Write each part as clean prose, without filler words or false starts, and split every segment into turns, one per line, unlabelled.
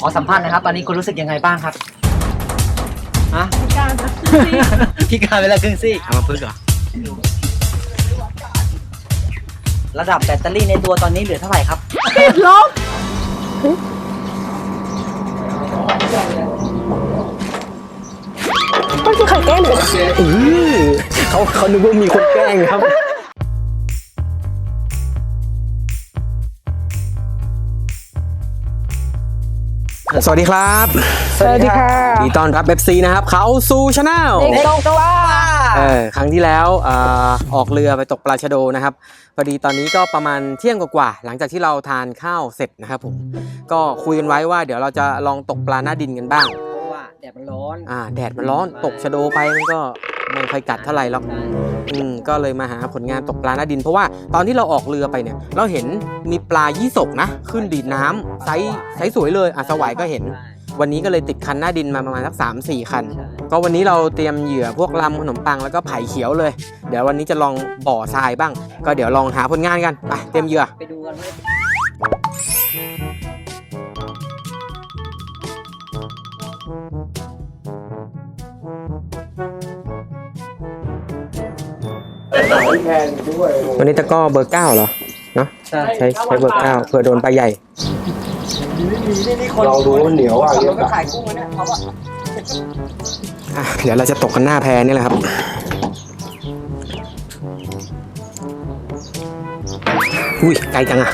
อสัมภาษณ์นะครับตอนนี้คุณรู้สึกยังไงบ้างครับฮะพิการพิการเวลาครึ่งซี่เอามาพึ่งเหรอระดับแบตเตอรี่ในตัวตอนนี้เหลือเท่าไหร่ครับ
ติดลบมันคือใครแกล้งหรือ
เขานึกว่ามีคนแกล้งครับสวัสดีครับ
สวัสดีค่ะ
ดีต้อนรับ FC นะครับเขาสู่ชาแนล
เด็กตกปลา
ครั้งที่แล้วออกเรือไปตกปลาชะโดนะครับพอดีตอนนี้ก็ประมาณเที่ยงกว่าหลังจากที่เราทานข้าวเสร็จนะครับผมก็คุยกันไว้ว่าเดี๋ยวเราจะลองตกปลาหน้าดินกันบ้าง
เพราะว่าแดดมันร้อน
แดดมันร้อนตกชะโดไปมันก็ไม่ค่อยกัดเท่าไหร่หรอกก็เลยมาหาผลงานตกปลาหน้าดินเพราะว่าตอนที่เราออกเรือไปเนี่ยเราเห็นมีปลายี่สกนะขึ้นดีดน้ำไซส์สวยเลยสวายก็เห็นวันนี้ก็เลยติดคันหน้าดินมาประมาณสัก 3-4 คันก็วันนี้เราเตรียมเหยื่อพวกลำขนมปังแล้วก็ไผ่เขียวเลยเดี๋ยววันนี้จะลองบ่อทรายบ้างก็เดี๋ยวลองหาผลงานกันไปเตรียมเหยื่อ
ไปดูกัน
วันนี้ตะก้อเบอร์ 9เหรอเนาะใช้เบอร์ 9เผื่อโดนปลาใหญ่
ลองดูเหนียวอ่ะเราก็ขายกุ้งนะเขา
เดี๋ยวเราจะตกกันหน้าแพนี่แหละครับอุ้ยไกลจังอ่ะ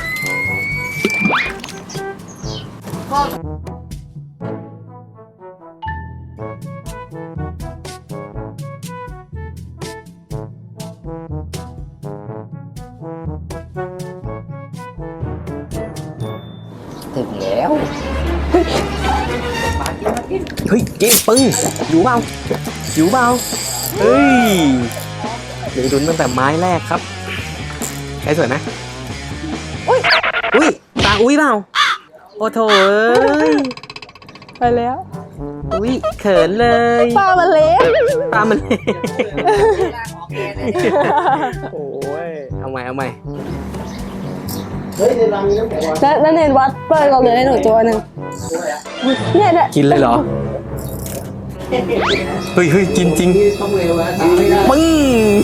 ถึงแล้ว
เฮ้ยเจ๊ปึ้งอยู่เปล่าเฮ้ยเดี๋ยวดุนตั้งแต่ไม้แรกครับใช้สวยไหมอุ้ยตาอุ้ยเปล่าโอ้โถ
ไปแล้ว
อุ้ยเขินเลย
ปลามันเล็ก
โอ้ยเอาใหม่
นั่นเองวัดเปิดเราเลยให้หนูตัวหนึ่งเนี่ย
กินเลยเหรอเฮ้ยกินจริงปึ้ง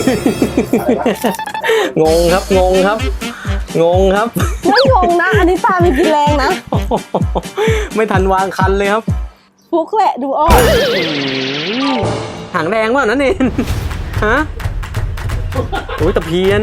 งงครับไม่
งงนะอันนี้ปลาไม่กินแรงนะ
ไม่ทันวางคันเลยครับ
ฟุกแหละดูออก
หางแดงวะนั่นเองฮะโอ้ยตะเพียน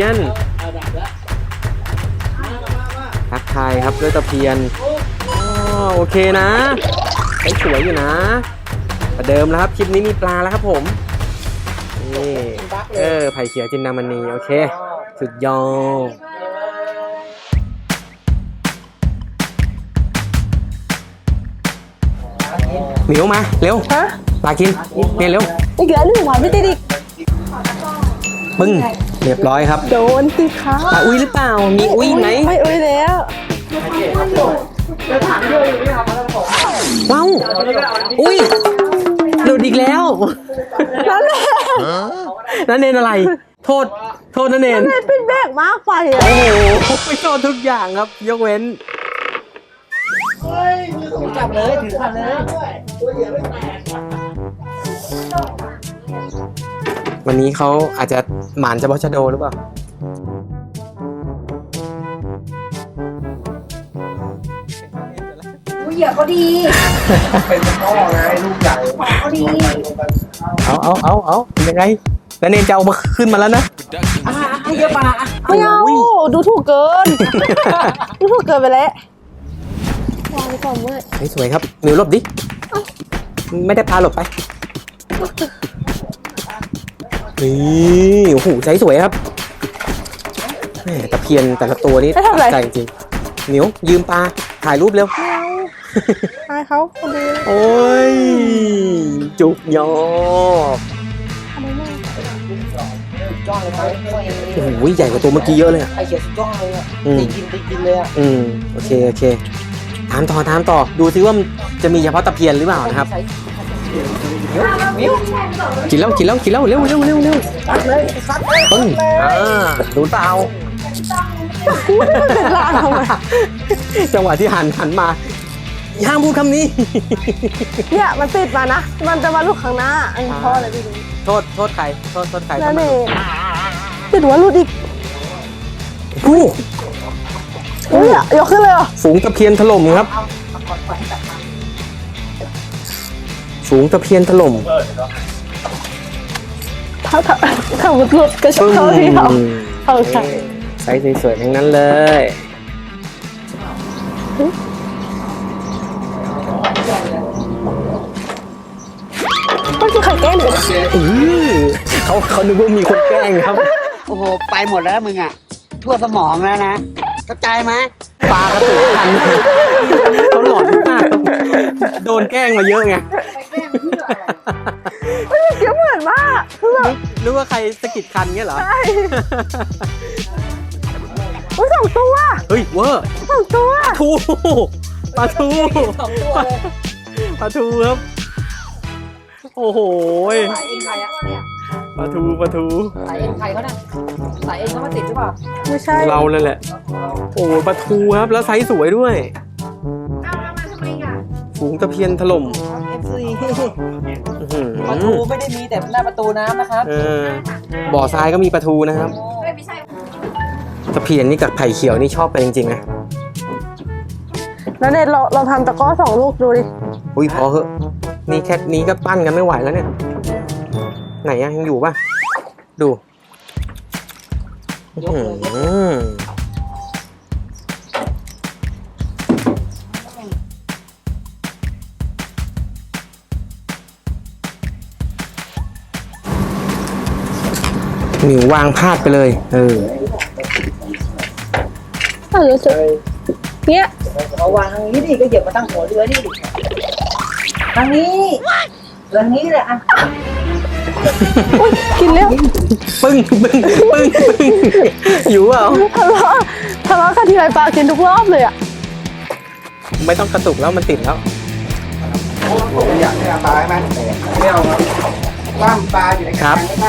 ทักทายครับด้วยตะเพียนโอเคนะสวยอยู่นะประเดิมแล้วครับคลิปนี้มีปลาแล้วครับผมนี่ไผ่เขียวจินดามณีโอเคสุดยอดเหนียวมาเร็วปลากินเนี่ยเร็ว
อีกแล้วหนึ่งวันไม่ติดอีก
ปึ้งเรียบร้อยครับ
โดนสิคะ
ปลาอุ้ยหรือเปล่ามีอุ้ยไหม
ไม่อุ้ยแล้ว
ว้าวอุ้ยหลุดอีกแล้วนั่นเองอะไรโทษนั่นเอง
เป็นแบกมากไป
โอ้โหไม่โทษทุกอย่างครับยกเว้น
จับเลยถือคันเลย
วันนี้เขาอาจจะหมานเฉพาะชะโดหรือเปล่า
เหยื่อเขาดี
เป็นต้อไงลูกใหญ่
เขาดี
เอายังไงแล้วเนนจะเอามาขึ้นมาแล้วนะ
เยอะปลา
ไม่เอาดูถูกเกินไปแล้ววางก่อนเว้ย
สวยครับมิวหลบดิไม่ได้พาหลบไปนี่โอ้โหใจสวยครับตะเพียนแต่ละตัวนี้ใจจริงมิวยืมปลาถ่ายรูปเร็ว
อายเขาคนดี
โอ้ยจุกยอโอ้โหใหญ่กว่าตัวเมื่อกี้เยอะเลยอ่ะ
ไอเขียวสุดยอดเลยอ่ะตีกินเลยอ่ะ
โอเคถามต่อดูซิว่าจะมีเฉพาะตะเพียนหรือเปล่านะครับกินแล้วเร็วปึ้งดูเปล่า
เป็นลางทำไม
จังหวะที่หันมาห้ามพูดคำนี้
เนี่ยมันติดมานะมันจะมาลูกข้างหน้าอันนี้พ่ออะไรไม่รู้
โทษใครโทษใคร
นั่นเองติดหัวลูดอีก
อู้
อุ้ยยกขึ้นเลยเหรอ
ฝูงตะเพียนถล่มครับฝูงตะเพียนถล่ม
ถ้ามุดหลุดก็ชอบเขาที่เขาใช่
ไซส์สวยๆทั้งนั้นเลย
ต้องกินไข่แก้มเลย
เขานึกว่ามีคนแกล้งครับ
โอ้โห ไปหมดแล้วมึงอ่ะ ทั่วสมองแล้วนะเข้าใจไหม
ปลากระตุกทันเขาหลอนมากโดนแกล้งมาเยอะไง
เดี๋ยวเหมือนมากคือแบบ
นึกว่าใครสะกิดคันเงี้ยเหรอ
ใช่อุ้ย2 ตัว
เฮ้ยเวอร์
2 ตัว
ทูปลาทูปลาทูครับ โอ้โห
สายเอ็นใครอะ
ปลาทู
สายเอ็นใครเขาเนี่ยสายเอ็นเขามาติดหรือเปล่า
ไม่ใช่
เราเลยแหละ โอ้โหปลาทูครับ แล้วไซส์สวยด้วยฝูงตะเพียนถล่ม
FC
อื้อหือ
ประตูไม่ได้มีแต่หน้าประตูน้ำนะครับ
บ่อทรายก็มีปลาทูนะครับตะเพียนนี่กับไผ่เขียวนี่ชอบไปจริงๆนะ
แล้วเนี่ยเราทำตะกร้อ2 ลูกดูดิ
อุ้ยพอเหอะนี่แค่นี้ก็ปั้นกันไม่ไหวแล้วเนี่ย ไหนอะยังอยู่ป่ะ ดูอื้อหือหนิววางพลาดไปเลย
รู้สึกเนี่ย
เอาวางทางนี้ดิก็เหยียบมาตั้งหัวเรือนี่ดิทางนี้เรือนี้แหละอ่ะ
อุ้ยกินแล้ว
ปึ้งอยู่เปล่า
ทะเลาะกันทีไรปลากินทุกรอบเลยอ่ะ
ไม่ต้องกระตุกแล้วมันติดแล้ว
อยากให้เอาปลาไหมไม่เอาครับล่ามปลาอยู่ใน
ครับ
ล่าม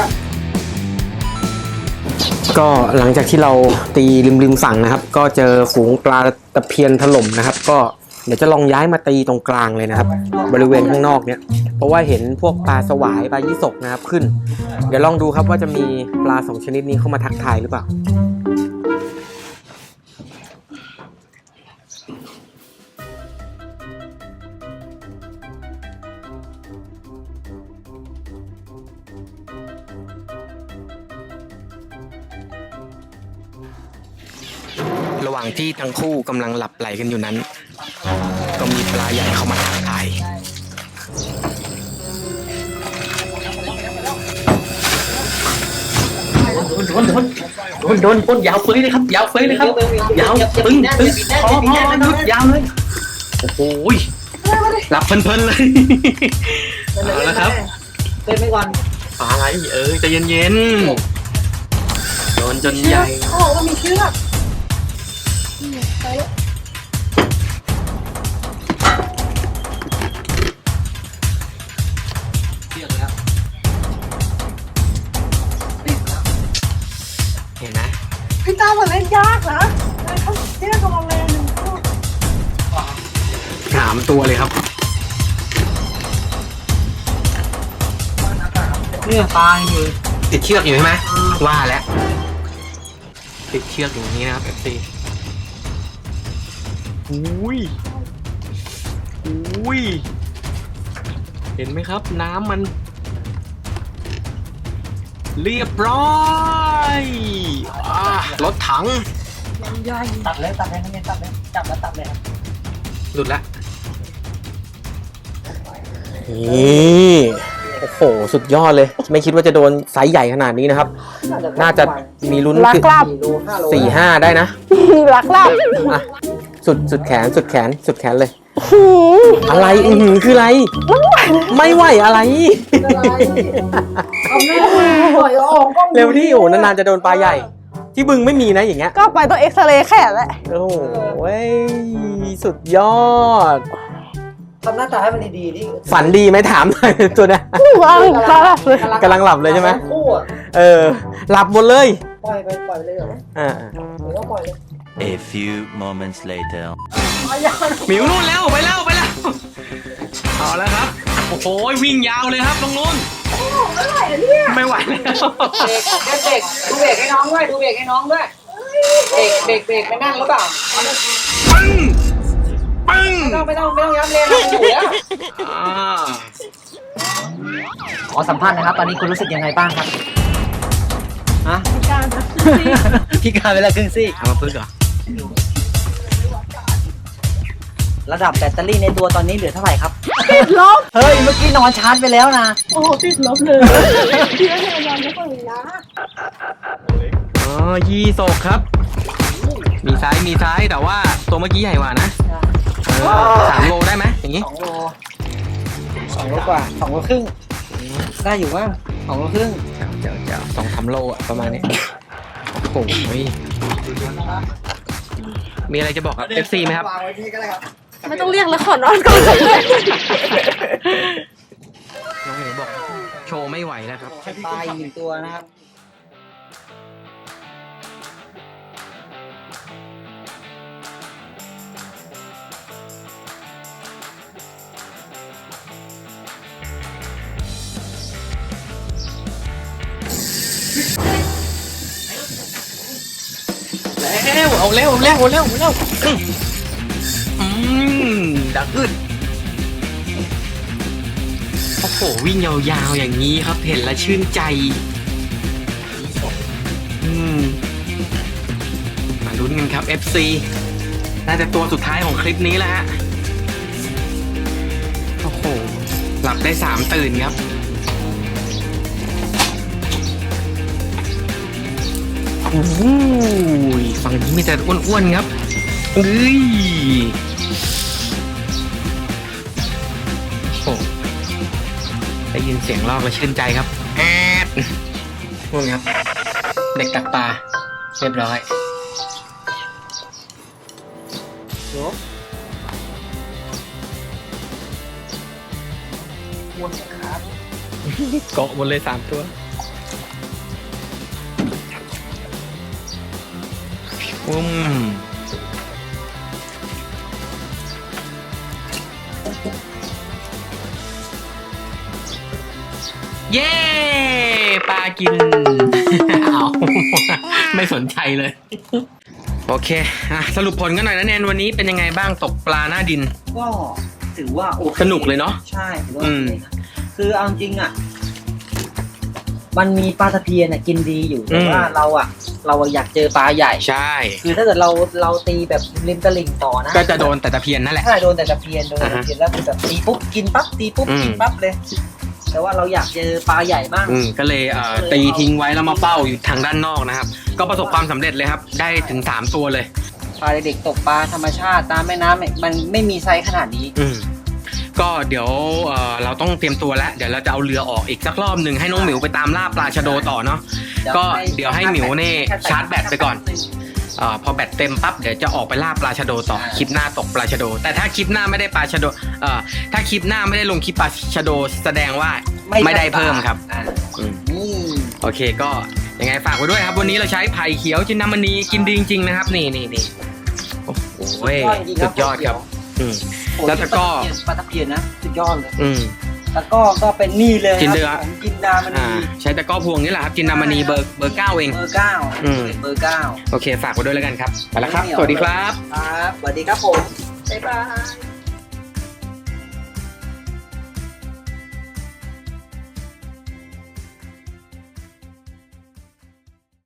ก็หลังจากที่เราตีริมฝั่งนะครับ ก็เจอฝูงปลาตะเพียนถล่มนะครับ ก็เดี๋ยวจะลองย้ายมาตีตรงกลางเลยนะครับ บริเวณข้างนอกเนี่ยเพราะว่าเห็นพวกปลาสวายปลายี่สกนะครับขึ้น เดี๋ยวลองดูครับว่าจะมีปลา2 ชนิดนี้เข้ามาทักทายหรือเปล่า ระหว่างที่ทั้งคู่กำลังหลับไหลกันอยู่นั้น ก็มีปลาใหญ่เข้ามาทักทายโดนพ่นยาวเฟ้ยเลยครับยาวเฟ้ยเลยครับยาวปึ้งพอหยุดยาวเลยโอ้โหหลับเพลินๆเลยเอาละครับ
เต้นไปก่อน
ปลาอะไรใจเย็นๆโดนจนใหญ่
เขาบอกว่ามีเชือก
เห็นไหม
พี่ตาเหมือนเล่นยากนะเขาเชือกกำลังเล่น
3 ตัวเลยครับ
เนี่ยปลาอยู่
ติดเชือกอยู่ใช่ไหมว่าแล้วติดเชือกอย่างนี้นะครับ FC อุ้ยเห็นไหมครับ น้ำมันเรียบร้อยรถถัง
ตัดเลยตัดเลยตัดเลยจับแล้วตัดเลยครับ
หลุดละนี่โอ้โหสุดยอดเลย ไม่คิดว่าจะโดนไซส์ใหญ่ขนาดนี้นะครับ น่าจะมีลุ้น
ลักลับ
4-5 ได้นะ
ลักลับ
อ่ะสุดแขนเลย อะไรคืออะไร ไม่ไหวอะไร
เอาแม่ปล่อยออกกล้อง
เร็วที่โอ้นานๆจะโดนปลาใหญ่ ที่บึงไม่มีนะอย่างเงี้ย
ก็ไปต้องเอ็กซเรย์แขนแหละ
โอ้โหสุดยอด
ทำหน้าตาให้มันดีๆดิ
ฝันดีไหมถามหน่อยตัวเนี้ย
ว้าวตาลับเลย
กำลังหลับเลยใช่ไหม
คู่อ่ะ
หลับหมดเลย
ปล่อยไปเลยเหรอ
อ่า
หรือว่าปล่อยเลย
A few moments later.
หมิวนู่นแล้วไปแล้วเอาแล้วครับโอ้โหวิ่งยาวเลยครับตรงนู้นไม่ไหวแล้ว
เบรกดูเบรกให้น้องด้วยดูเบรกให้น้องด้วยเบรกไม่นั่งหรือเปล่า
ปึ้งปึ้ง
ไม่ต้องย้ำเลยนะอยู่แล้ว
อ่า
ขอสัมภาษณ์นะครับ ตอนนี้คุณรู้สึกยังไงบ้างครับฮะ
พิการนะ
พี่การเวลาครึ่งซี่
เอามาพึ่งเหรอ
ระดับแบตเตอรี่ในตัวตอนนี้เหลือเท่าไหร่ครับ
ติดลบ
เฮ้ย เมื่อกี้นอนชาร์จไปแล้วนะ
โอ้โหติดลบเลยพี่ก็พยายามจะฝืนนะ
อ๋อยีโศกครับ มีซ้ายแต่ว่าตัวเมื่อกี้ใหญ่กว่านะ3 โลได้ไหมอย่างงี้
2 โล 2 โลกว่า 2 โลครึ่ง ได้อยู่ว่า2 โลครึ่ง
เจ้า2-3 โลอะประมาณนี้โอ้โหมีอะไรจะบอกกับ FC ไหมครับ
วางไว้นี่ก็ได้ครับ
ไม่ต้องเรียกแล้วขอนอนก่อนเลย
น้องหมิวบอกโชว์ไม่ไหวแล้วครับ
ปลาอีก1 ตัวนะครับ
เอาเร็วดักขึ้นโอ้โหวิ่งยาวๆอย่างนี้ครับเห็นแล้วชื่นใจมาลุ้นกันครับ FC น่าจะตัวสุดท้ายของคลิปนี้แล้วฮะโอ้โหหลับได้3 ตื่นครับโอ้ยฝั่งนี้มีแต่อ้วนๆครับเอ้ยโอ้ได้ยินเสียงลอกแล้วชื่นใจครับแอดนู่นครับ เด็กตักปลาเรียบร้อยเกาะหมดเลย3 ตัวเย้ปลากิน เอาไม่สนใจเลย โอเคสรุปผลกันหน่อยนะแนนวันนี้เป็นยังไงบ้างตกปลาหน้าดิน
ก็ถือว่าโอเค
สนุกเลยเนาะ
ใช่ถือว่าโอเคนะคือเอาจริงอ่ะ มันมีปลาตะเพียนกินดีอยู่แต่ว่าเราอยากเจอปลาใหญ่
ใช่
คือถ้าเกิดเราตีแบบริมตลิ่งต่อนะ
ก็จะโดนแต่ตะเพียนนั่นแหละ
ใช่โดนแต่ตะเพียนแล้วคือแบบตีปุ๊บกินปั๊บตีปุ๊บกินปั๊บเลย แต่ว่าเราอยากเจอปลาใหญ่มาก
ก็เลยตีทิ้งไว้แล้วมาเฝ้าอยู่ทางด้านนอกนะครับ ก็ประสบความสำเร็จเลยครับ ได้ถึง3 ตัวเลย
ปลาเด็กๆตกปลาธรรมชาติตามแม่น้ำมันไม่มีไซส์ขนาดนี้
ก็เดี๋ยวเราต้องเตรียมตัวแล้วเดี๋ยวเราจะเอาเรือออกอีกสักรอบหนึ่งให้น้องหมิวไปตามล่าปลาชะโดต่อเนาะก็เดี๋ยวให้หมิวเนี่ยชาร์จแบตไปก่อนพอแบตเต็มปั๊บเดี๋ยวจะออกไปล่าปลาชะโดต่อคลิปหน้าตกปลาชะโดแต่ถ้าคลิปหน้าไม่ได้ปลาชะโดถ้าคลิปหน้าไม่ได้ลงคลิปปลาชะโดแสดงว่าไม่ได้เพิ่มครับโอเคก็ยังไงฝากไว้ด้วยครับวันนี้เราใช้ไผ่เขียวจินดามณีกินดีจริงๆนะครับนี่โอ้โหสุดยอดครับแล้วก็
ปลาตะเพียนนะสุดยอดเลย
แล้ว
ก็เป็นนี่เลย
จินเดือ
จินดามณี
ใช้ตะก้อพวงนี่แหละครับจินดามณีเบอร์ 9เอง
เบอร์ 9
โอเคฝากไว้ด้วยแล้วกันครับไปแล้วครับสวัสดีครับ
ครับสวัสดีครับผม
บ๊ายบาย